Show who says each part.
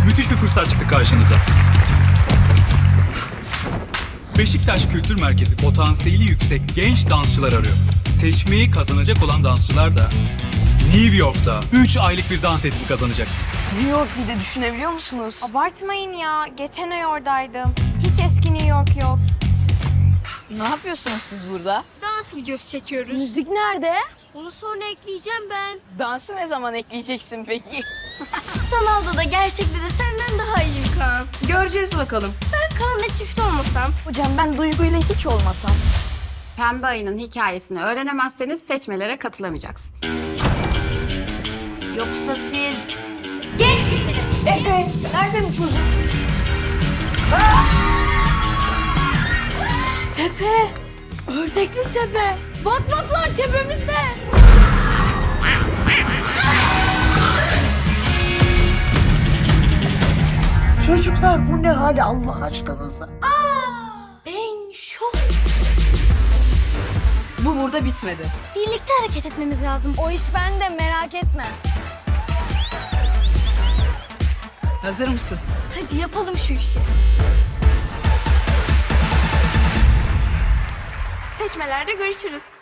Speaker 1: Müthiş bir fırsat çıktı karşınıza. Beşiktaş Kültür Merkezi potansiyeli yüksek genç dansçılar arıyor. Seçmeyi kazanacak olan dansçılar da New York'ta 3 aylık bir dans eğitimi kazanacak.
Speaker 2: New York bir de düşünebiliyor musunuz?
Speaker 3: Abartmayın ya. Geçen ay oradaydım. Hiç eski New York yok.
Speaker 2: Ne yapıyorsunuz siz burada?
Speaker 4: Dans videosu çekiyoruz.
Speaker 3: Müzik nerede?
Speaker 4: Onu sonra ekleyeceğim ben.
Speaker 2: Dansı ne zaman ekleyeceksin peki?
Speaker 4: Sanalda da gerçekte de senden daha iyiyim Kaan.
Speaker 2: Göreceğiz bakalım.
Speaker 4: Ben Kaan'la çift olmasam.
Speaker 3: Hocam ben Duygu'yla hiç olmasam.
Speaker 5: Pembe ayının hikayesini öğrenemezseniz seçmelere katılamayacaksınız.
Speaker 4: Yoksa siz genç misiniz?
Speaker 2: Efe, nerede bu çocuk?
Speaker 4: Tepe. Ördekli tepe. Vak vaklar tepemizde.
Speaker 6: Çocuklar bu ne hali Allah aşkınıza?
Speaker 4: Ben şok.
Speaker 2: Bu burada bitmedi.
Speaker 4: Birlikte hareket etmemiz lazım.
Speaker 3: O iş bende, merak etme.
Speaker 2: Hazır mısın?
Speaker 4: Hadi yapalım şu işi.
Speaker 3: Seçmelerde görüşürüz.